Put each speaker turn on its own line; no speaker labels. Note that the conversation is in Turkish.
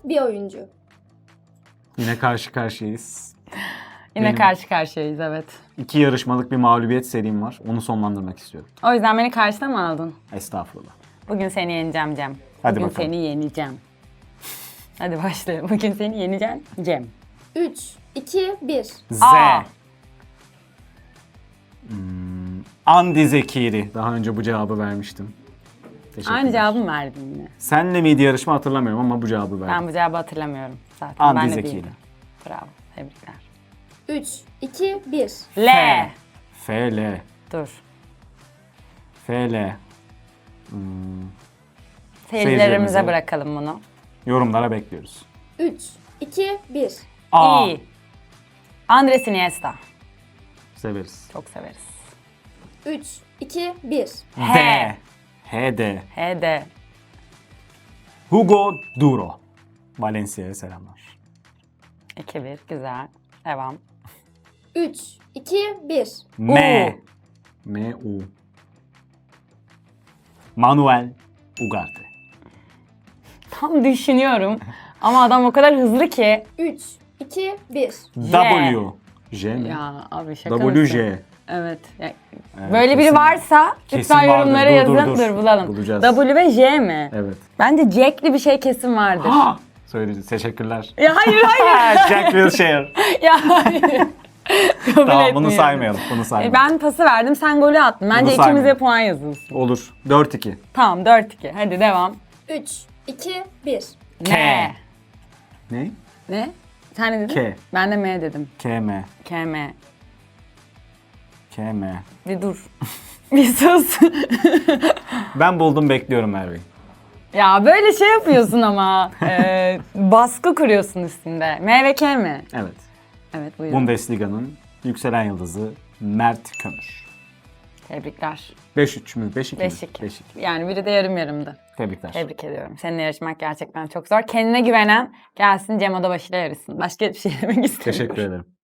bir oyuncu.
Yine karşı karşıyayız.
Yine
Benim-
karşı karşıyayız, evet.
2 yarışmalık bir mağlubiyet serim var. Onu sonlandırmak istiyorum.
O yüzden beni karşıda mı aldın?
Estağfurullah.
Bugün seni yeneceğim Cem.
Hadi
Bugün
bakalım.
seni yeneceğim. Hadi başlayalım. Bugün seni yeneceğim Cem.
3, 2, 1.
Z.
Aa.
Andi Zekiri. Daha önce bu cevabı vermiştim. Teşekkürler.
Aynı cevabı mı verdin yine?
Senle miydi yarışma hatırlamıyorum ama bu cevabı verdim.
Ben bu cevabı hatırlamıyorum zaten.
Andi
Ben de
Zekiri.
bildim. Bravo. Tebrikler.
3, 2, 1.
L.
F-L.
Dur.
F-L.
Seyircilerimize bırakalım bunu.
Yorumlara bekliyoruz.
3, 2, 1.
A.
İ. Andres Iniesta.
Severiz.
Çok severiz.
3, 2, 1.
H.
H-D.
H.D.
Hugo Duro. Valencia'ya selamlar.
2-1. Güzel. Devam.
3, 2, 1.
M. M-U. Manuel Ugarte.
Tam düşünüyorum. Ama adam o kadar hızlı ki.
3, 2, 1.
W. J mi?
Ya abi şaka mısın?
WJ.
Evet. Ya,
Evet,
böyle biri
kesin-
varsa
kesin
lütfen
vardır.
yorumlara yazın. Dur bulalım.
Bulacağız.
W ve J mi?
Evet.
Bence Jack'li bir şey kesin vardır.
Söyleyeceğiz. Teşekkürler.
Ya hayır hayır.
Jack Wilshere.
Ya hayır. Kabul
Tamam bunu
etmiyorum.
saymayalım. Bunu saymayalım.
Ben pası verdim, sen golü attın. Bence ikimize
saymayalım.
puan yazılsın.
Olur. 4-2.
Tamam 4-2. Hadi devam.
3, 2, 1.
K.
Ne?
Ne? Sen ne dedin?
K.
Ben de M dedim.
KM.
KM.
KM.
Bir dur. Bir sus.
Ben buldum, bekliyorum Merve.
Ya böyle şey yapıyorsun ama. Baskı kuruyorsun üstünde. M ve K mi?
Evet.
Evet buyurun.
Bundesliga'nın yükselen yıldızı Mert Kömür.
Tebrikler.
5-3 mü? 5-2 mi?
5-2.
5-2.
Yani biri de yarım yarımdı.
Tebrikler.
Tebrik ediyorum. Seninle yarışmak gerçekten çok zor. Kendine güvenen gelsin Cem Odabaşı ile yarışsın. Başka bir şey demek istemiyorum.
Teşekkür ederim.